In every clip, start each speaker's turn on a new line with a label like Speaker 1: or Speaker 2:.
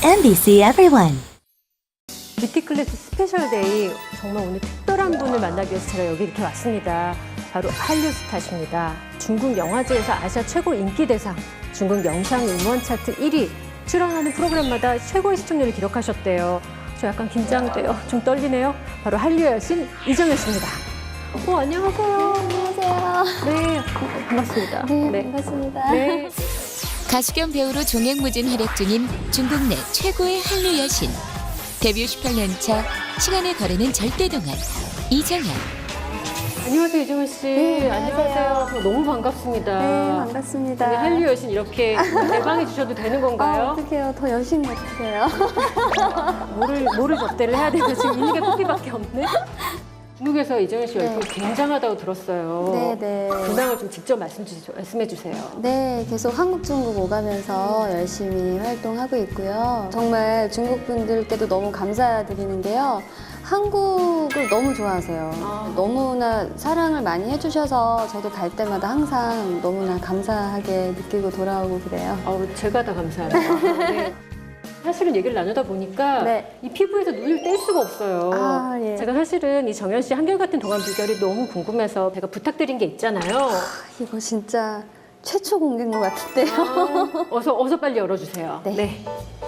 Speaker 1: MBC Everyone.
Speaker 2: 뷰티클래스 스페셜데이, 정말 오늘 특별한 분을 만나기 위해서 제가 여기 이렇게 왔습니다. 바로 한류 스타십니다. 중국 영화제에서 아시아 최고 인기 대상, 중국 영상 음원 차트 1위, 출연하는 프로그램마다 최고의 시청률을 기록하셨대요. 저 약간 긴장돼요. 좀 떨리네요. 바로 한류의 여신 이정현 씨입니다. 안녕하세요.
Speaker 3: 안녕하세요.
Speaker 2: 네, 반갑습니다.
Speaker 3: 네, 반갑습니다.
Speaker 2: 네.
Speaker 4: 가수 겸 배우로 종횡무진 활약 중인 중국 내 최고의 한류 여신. 데뷔 18년 차 시간을 거르는 절대동안 이정현.
Speaker 2: 안녕하세요, 이정현 씨.
Speaker 3: 네,
Speaker 2: 안녕하세요. 저 너무 반갑습니다.
Speaker 3: 네, 반갑습니다.
Speaker 2: 우리 한류 여신 이렇게 대방해 주셔도 되는 건가요?
Speaker 3: 어떡해요. 더 여신 같으세요.
Speaker 2: 뭐를 접대를 해야 되나 지금 있는 게 커피밖에 없네. 중국에서 이정현 씨 열풍 굉장하다고 들었어요.
Speaker 3: 네.
Speaker 2: 근황을 좀 직접 말씀해 주세요.
Speaker 3: 네, 계속 한국, 중국 오가면서 열심히 활동하고 있고요. 정말 중국 분들께도 너무 감사드리는 게요. 한국을 너무 좋아하세요. 너무나 사랑을 많이 해주셔서 저도 갈 때마다 항상 너무나 감사하게 느끼고 돌아오고 그래요.
Speaker 2: 제가 다 감사합니다. 네. 사실은 얘기를 나누다 보니까
Speaker 3: 네.
Speaker 2: 이 피부에서 눈을 뗄 수가 없어요.
Speaker 3: 예.
Speaker 2: 제가 사실은 이 정현 씨 한결같은 동안 비결이 너무 궁금해서 제가 부탁드린 게 있잖아요.
Speaker 3: 이거 진짜 최초 공개인 것 같은데요.
Speaker 2: 어서 빨리 열어주세요.
Speaker 3: 네.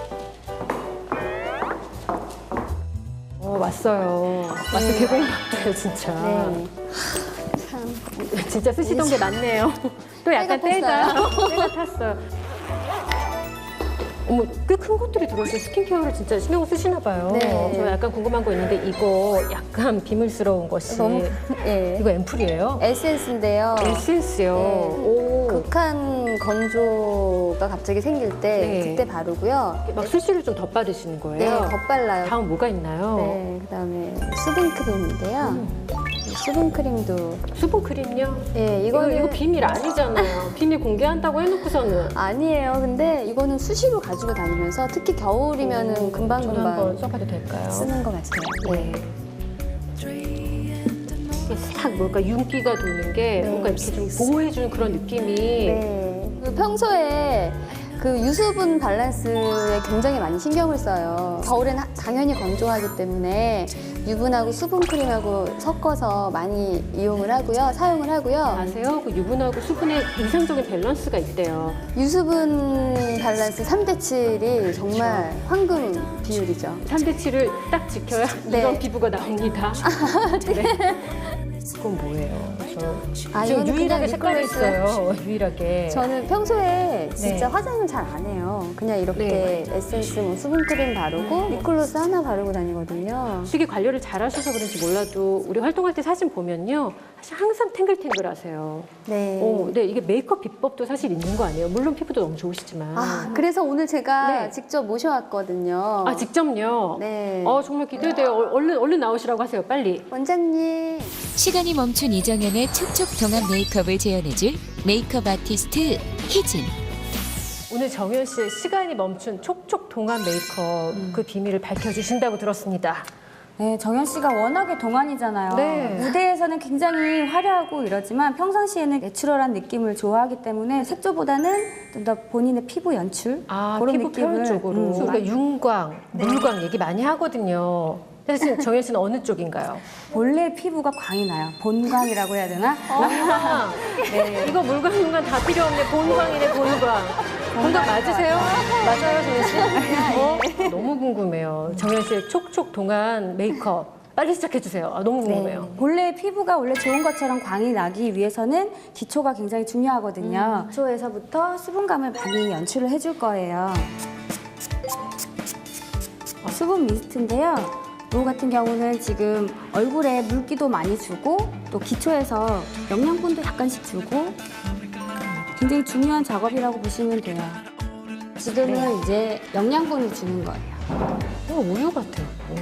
Speaker 2: 왔어요. 개봉박도요 진짜.
Speaker 3: 네. 참.
Speaker 2: 진짜 쓰시던 게 맞네요. 또 약간 때가 탔어요. 어머, 꽤 큰 것들이 들어있어요. 스킨케어를 진짜 신경을 쓰시나 봐요.
Speaker 3: 네.
Speaker 2: 저 약간 궁금한 거 있는데 이거 약간 비밀스러운 것이 이거 앰플이에요?
Speaker 3: 에센스인데요.
Speaker 2: 에센스요.
Speaker 3: 네.
Speaker 2: 오.
Speaker 3: 극한 건조가 갑자기 생길 때
Speaker 2: 네.
Speaker 3: 그때 바르고요.
Speaker 2: 막 수시를 좀 덧바르시는 거예요?
Speaker 3: 네, 덧발라요.
Speaker 2: 다음 뭐가 있나요?
Speaker 3: 네, 그다음에 수분크림인데요. 수분크림도
Speaker 2: 수분크림요?
Speaker 3: 이거는
Speaker 2: 이거 비밀 아니잖아요. 비밀 공개한다고 해놓고서는.
Speaker 3: 아니에요. 근데 이거는 수시로 가지고 다니면서 특히 겨울이면은
Speaker 2: 저도 한번
Speaker 3: 금방금방
Speaker 2: 써봐도 될까요?
Speaker 3: 쓰는 것 같아요.
Speaker 2: 네. 싹 뭔가 윤기가 도는 게 뭔가 이렇게 좀 보호해주는 그런 느낌이.
Speaker 3: 네. 평소에 그 유수분 밸런스에 굉장히 많이 신경을 써요. 겨울엔 당연히 건조하기 때문에 유분하고 수분 크림하고 섞어서 많이 이용을 하고요. 사용을 하고요.
Speaker 2: 아세요? 그 유분하고 수분의 이상적인 밸런스가 있대요.
Speaker 3: 유수분 밸런스 3대 7이 정말 황금 비율이죠.
Speaker 2: 3대 7을 딱 지켜야
Speaker 3: 네.
Speaker 2: 이런 피부가 나옵니다. 네. 그건 뭐예요? 저 지금
Speaker 3: 이거는
Speaker 2: 유일하게
Speaker 3: 그냥
Speaker 2: 색깔이
Speaker 3: 립글로스.
Speaker 2: 있어요. 유일하게.
Speaker 3: 저는 평소에 진짜
Speaker 2: 네.
Speaker 3: 화장을 잘 안 해요. 그냥 이렇게
Speaker 2: 네.
Speaker 3: 에센스, 수분 크림 바르고 립글로스 하나 바르고 다니거든요.
Speaker 2: 되게 관리를 잘 하셔서 그런지 몰라도 우리 활동할 때 사진 보면요. 사실 항상 탱글탱글하세요.
Speaker 3: 네.
Speaker 2: 네, 이게 메이크업 비법도 사실 있는 거 아니에요? 물론 피부도 너무 좋으시지만.
Speaker 3: 그래서 오늘 제가
Speaker 2: 네.
Speaker 3: 직접 모셔왔거든요.
Speaker 2: 직접요?
Speaker 3: 네.
Speaker 2: 정말 기대돼요. 얼른 나오시라고 하세요, 빨리.
Speaker 3: 원장님.
Speaker 4: 시간이 멈춘 이정현의 촉촉 동안 메이크업을 재현해줄 메이크업 아티스트 희진.
Speaker 2: 오늘 정현 씨의 시간이 멈춘 촉촉 동안 메이크업 그 비밀을 밝혀주신다고 들었습니다.
Speaker 5: 네, 정현 씨가 워낙에 동안이잖아요.
Speaker 2: 네.
Speaker 5: 무대에서는 굉장히 화려하고 이러지만 평상시에는 내추럴한 느낌을 좋아하기 때문에 색조보다는 좀 더 본인의 피부 연출 그런
Speaker 2: 피부
Speaker 5: 느낌을
Speaker 2: 표현 쪽으로. 그러니까 윤광, 물광 얘기 많이 하거든요. 사실 정현 씨는 어느 쪽인가요?
Speaker 5: 본래 피부가 광이 나요. 본광이라고 해야 되나?
Speaker 2: 물광. 네. 이거 물광, 윤광 다 필요 없네. 본광이네, 본광. 본광 맞으세요? 맞아요, 정현 씨? 너무 궁금해요. 정현 씨의 촉촉 동안 메이크업. 빨리 시작해주세요. 너무 궁금해요.
Speaker 5: 본래 피부가 원래 좋은 것처럼 광이 나기 위해서는 기초가 굉장히 중요하거든요. 기초에서부터 수분감을 많이 연출을 해줄 거예요. 수분 미스트인데요. 이 같은 경우는 지금 얼굴에 물기도 많이 주고 또 기초에서 영양분도 약간씩 주고 굉장히 중요한 작업이라고 보시면 돼요. 지금은 이제 영양분을 주는 거예요.
Speaker 2: 우유 같아요.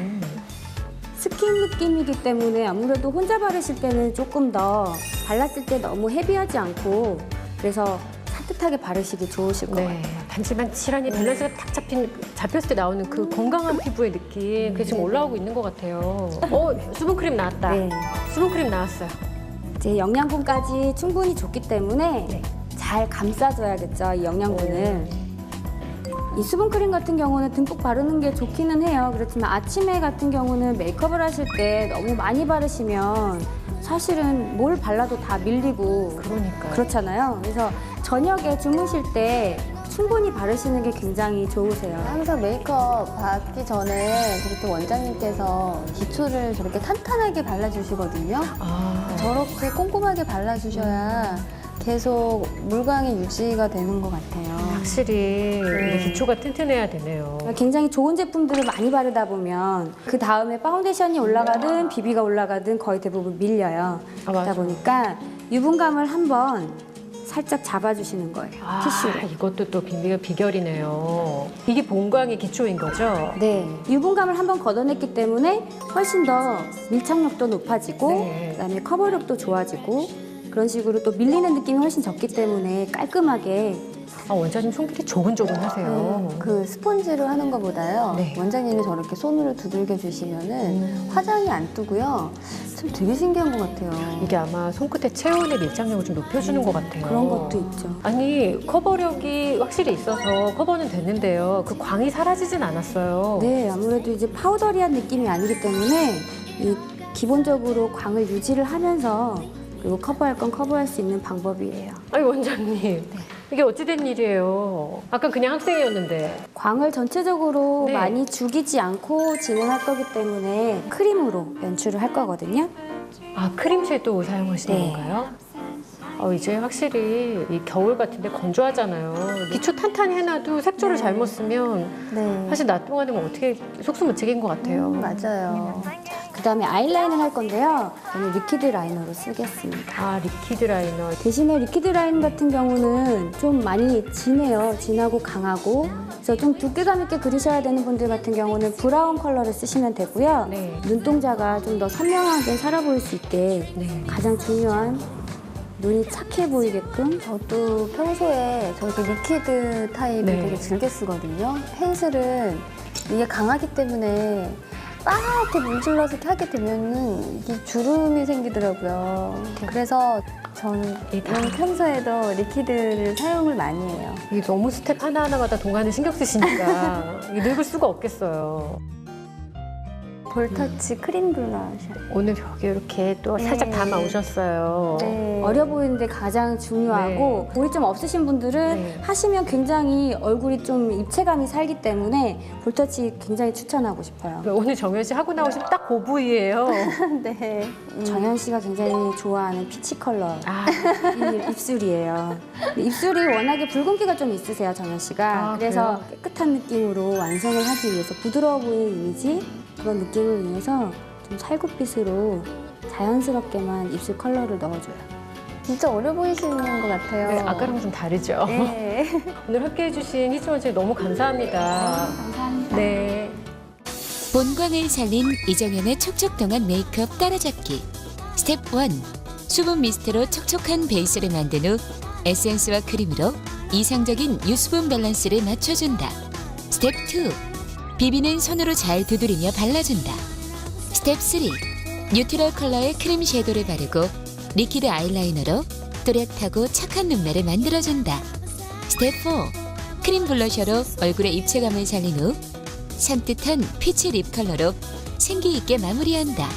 Speaker 5: 스킨 느낌이기 때문에 아무래도 혼자 바르실 때는 조금 더 발랐을 때 너무 헤비하지 않고 그래서 산뜻하게 바르시기 좋으실 거예요.
Speaker 2: 네. 반질반질하니 밸런스가 딱 잡혔을 때 나오는 그 건강한 피부의 느낌 그게 지금 올라오고 있는 것 같아요. 수분크림 나왔다.
Speaker 5: 네.
Speaker 2: 수분크림 나왔어요.
Speaker 5: 이제 영양분까지 충분히 줬기 때문에 잘 감싸줘야겠죠, 이 영양분을. 이 수분크림 같은 경우는 듬뿍 바르는 게 좋기는 해요. 그렇지만 아침에 같은 경우는 메이크업을 하실 때 너무 많이 바르시면 사실은 뭘 발라도 다 밀리고
Speaker 2: 그러니까요.
Speaker 5: 그렇잖아요. 그래서 저녁에 주무실 때 충분히 바르시는 게 굉장히 좋으세요.
Speaker 3: 항상 메이크업 받기 전에 그렇게 원장님께서 기초를 저렇게 탄탄하게 발라주시거든요.
Speaker 2: 아,
Speaker 3: 저렇게 꼼꼼하게 발라주셔야 계속 물광이 유지가 되는 것 같아요.
Speaker 2: 확실히 이게 기초가 튼튼해야 되네요.
Speaker 5: 굉장히 좋은 제품들을 많이 바르다 보면 그 다음에 파운데이션이 올라가든 비비가 올라가든 거의 대부분 밀려요.
Speaker 2: 아,
Speaker 5: 그러다
Speaker 2: 맞아.
Speaker 5: 보니까 유분감을 한번 살짝 잡아주시는 거예요. 티슈로.
Speaker 2: 이것도 또 비결이네요. 이게 본광의 기초인 거죠?
Speaker 5: 네, 유분감을 한번 걷어냈기 때문에 훨씬 더 밀착력도 높아지고
Speaker 2: 네.
Speaker 5: 그다음에 커버력도 좋아지고 그런 식으로 또 밀리는 느낌이 훨씬 적기 때문에 깔끔하게
Speaker 2: 원장님 손길이 조근조근하세요.
Speaker 3: 그 스펀지로 하는 것보다요.
Speaker 2: 네.
Speaker 3: 원장님이 저렇게 손으로 두들겨 주시면은 화장이 안 뜨고요. 참 되게 신기한 것 같아요.
Speaker 2: 이게 아마 손끝의 체온의 밀착력을 좀 높여주는 것 같아요.
Speaker 5: 그런 것도 있죠.
Speaker 2: 아니, 커버력이 확실히 있어서 커버는 됐는데요. 그 광이 사라지진 않았어요.
Speaker 5: 네, 아무래도 이제 파우더리한 느낌이 아니기 때문에 이 기본적으로 광을 유지를 하면서 그리고 커버할 건 커버할 수 있는 방법이에요.
Speaker 2: 아니, 원장님. 이게 어찌된 일이에요? 아까 그냥 학생이었는데.
Speaker 5: 광을 전체적으로
Speaker 2: 네.
Speaker 5: 많이 죽이지 않고 진행할 거기 때문에 크림으로 연출을 할 거거든요.
Speaker 2: 크림 섀도우 사용하시는
Speaker 5: 네.
Speaker 2: 건가요? 이제 확실히 이 겨울 같은데 건조하잖아요. 기초 탄탄히 해놔도 색조를 잘못 쓰면
Speaker 3: 네.
Speaker 2: 사실 낮 동안은 어떻게 속수무책인 것 같아요.
Speaker 3: 맞아요.
Speaker 5: 그다음에 아이라인을 할 건데요. 저는 리퀴드 라이너로 쓰겠습니다.
Speaker 2: 리퀴드 라이너.
Speaker 5: 대신에 리퀴드 라인 같은 경우는 좀 많이 진해요. 진하고 강하고. 그래서 좀 두께감 있게 그리셔야 되는 분들 같은 경우는 브라운 컬러를 쓰시면 되고요.
Speaker 2: 네.
Speaker 5: 눈동자가 좀 더 선명하게 살아 보일 수 있게
Speaker 2: 네.
Speaker 5: 가장 중요한 눈이 착해 보이게끔
Speaker 3: 저도 평소에 저렇게 리퀴드 타입을
Speaker 2: 네.
Speaker 3: 되게 즐겨 쓰거든요. 펜슬은 이게 강하기 때문에 빠르게 문질러서 이렇게 하게 되면은 이게 주름이 생기더라고요. 그래서 저는 평소에도 리퀴드를 사용을 많이 해요.
Speaker 2: 이게 너무 스텝 하나하나마다 동안을 신경 쓰시니까 이게 늙을 수가 없겠어요.
Speaker 3: 볼터치 크림 블러셔.
Speaker 2: 오늘 여기 이렇게 또 살짝
Speaker 3: 네.
Speaker 2: 담아 오셨어요.
Speaker 3: 네.
Speaker 5: 어려 보이는데 가장 중요하고 볼이 좀 없으신 분들은
Speaker 2: 네.
Speaker 5: 하시면 굉장히 얼굴이 좀 입체감이 살기 때문에 볼터치 굉장히 추천하고 싶어요.
Speaker 2: 오늘 정현 씨 하고 나오시면 딱 그 부위예요.
Speaker 3: 네.
Speaker 5: 정현 씨가 굉장히 좋아하는 피치 컬러
Speaker 2: 아,
Speaker 5: 이 입술이에요. 근데 입술이 워낙에 붉은기가 좀 있으세요, 정현 씨가. 그래서 깨끗한 느낌으로 완성을 하기 위해서 부드러워 보이는 이미지 그런 느낌을 위해서 좀 살구빛으로 자연스럽게만 입술 컬러를 넣어줘요.
Speaker 3: 진짜 어려 보이시는 것 같아요.
Speaker 2: 네, 아까랑 좀 다르죠.
Speaker 3: 네.
Speaker 2: 오늘 함께해 주신 희준 원장님 너무 감사합니다.
Speaker 5: 감사합니다.
Speaker 2: 네.
Speaker 4: 본광을 살린 이정현의 촉촉동안 메이크업 따라잡기. 스텝 1. 수분 미스트로 촉촉한 베이스를 만든 후 에센스와 크림으로 이상적인 유수분 밸런스를 맞춰준다. 스텝 2. 비비는 손으로 잘 두드리며 발라준다. 스텝 3. 뉴트럴 컬러의 크림 섀도우를 바르고 리퀴드 아이라이너로 또렷하고 착한 눈매를 만들어준다. 스텝 4. 크림 블러셔로 얼굴의 입체감을 살린 후 산뜻한 피치 립 컬러로 생기 있게 마무리한다.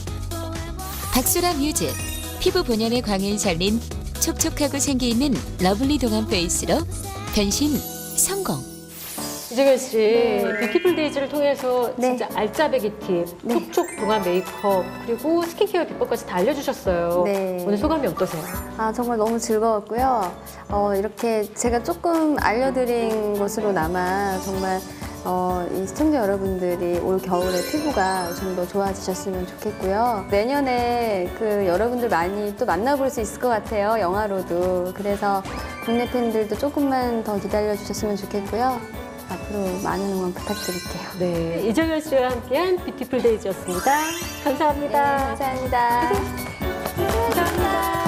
Speaker 4: 박소라 뮤즈. 피부 본연의 광을 살린 촉촉하고 생기 있는 러블리 동안 페이스로 변신 성공.
Speaker 2: 이정현 씨, 뷰티풀 데이즈를 통해서
Speaker 3: 네.
Speaker 2: 진짜 알짜배기 팁, 촉촉 동안 메이크업, 그리고 스킨케어 비법까지 다 알려주셨어요.
Speaker 3: 네.
Speaker 2: 오늘 소감이 어떠세요?
Speaker 3: 정말 너무 즐거웠고요. 이렇게 제가 조금 알려드린 것으로나마 정말 이 시청자 여러분들이 올 겨울에 피부가 좀 더 좋아지셨으면 좋겠고요. 내년에 그 여러분들 많이 또 만나볼 수 있을 것 같아요. 영화로도. 그래서 국내 팬들도 조금만 더 기다려주셨으면 좋겠고요. 앞으로 많은 응원 부탁드릴게요.
Speaker 2: 네, 이정현 씨와 함께한 뷰티풀 데이즈였습니다. 감사합니다.
Speaker 3: 감사합니다.
Speaker 2: 감사합니다.